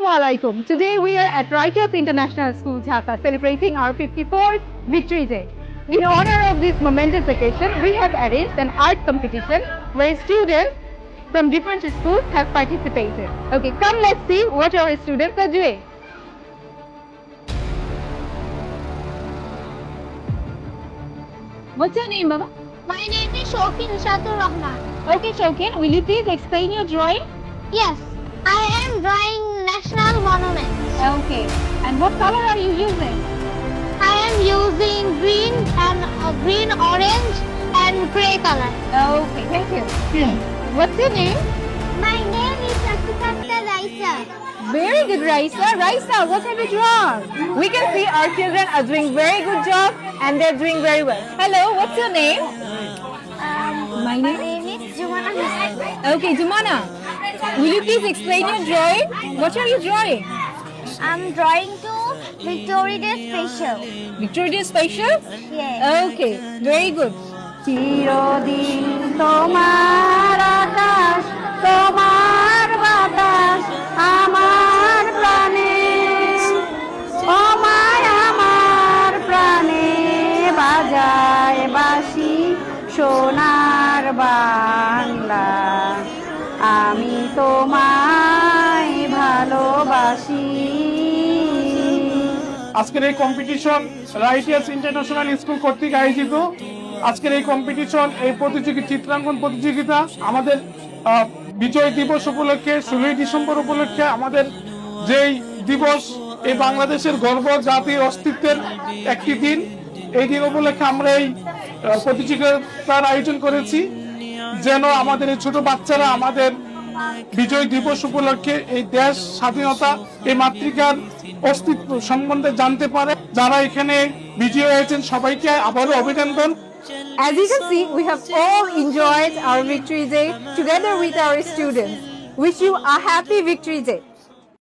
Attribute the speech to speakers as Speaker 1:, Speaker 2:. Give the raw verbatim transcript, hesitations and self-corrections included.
Speaker 1: Assalamualaikum. Today we are at Righteous International School, Dhaka, celebrating our fifty-fourth Victory Day. In honor of this momentous occasion, we have arranged an art competition where students from different schools have participated. Okay, come let's see what our students are doing. What's your name, Baba?
Speaker 2: My name is Shokin Shatur Rahman.
Speaker 1: Okay, Shokin, will you please explain your drawing?
Speaker 2: Yes, I am drawing national monuments.
Speaker 1: Okay, and what color are you using?
Speaker 2: I am using green and uh, green, orange, and gray color.
Speaker 1: Okay, thank you. What's your name?
Speaker 2: My name is Shaktikanta Raisa.
Speaker 1: Very good, Raisa. Raisa, what have you drawn? We can see our children are doing very good job and they're doing very well. Hello, what's your name?
Speaker 2: Um,
Speaker 1: My
Speaker 2: my
Speaker 1: name?
Speaker 2: name is Jumana Hussain.
Speaker 1: Okay, Jumana. Will you please explain your drawing? What are you drawing?
Speaker 2: I'm drawing to Victory Day special.
Speaker 1: Victory Day special?
Speaker 2: Yes.
Speaker 1: Okay, very good. চিরদিন তোমার আকাশ তোমার বাতাস আমার প্রাণে অমায় আমার প্রাণে বাজায় বাঁশি সোনার বাংলা আমি তোমায় ভালোবাসি।
Speaker 3: আজকের এই কম্পিটিশন রাইটিয়াস ইন্টারন্যাশনাল স্কুল কর্তৃক আয়োজিত। আজকের এই কম্পিটিশন এই প্রতিযোগিতা চিত্রাঙ্কন প্রতিযোগিতা আমাদের বিজয় দিবস উপলক্ষে ষোলোই ডিসেম্বর উপলক্ষে আমাদের যেই দিবস এই বাংলাদেশের গর্ব জাতির অস্তিত্বের একটি দিন, এই দিন উপলক্ষে আমরা এই প্রতিযোগিতার আয়োজন করেছি যেন আমাদের এই ছোট বাচ্চারা আমাদের বিজয় দিবস উপলক্ষে এই দেশ স্বাধীনতা এই মাতৃকার অস্তিত্ব সম্বন্ধে জানতে পারে। যারা এখানে বিজয়ী হয়েছেন সবাইকে আবারও অভিনন্দন।
Speaker 1: As you can see, we have all enjoyed our Victory Day together with our students. Wish you a happy Victory Day.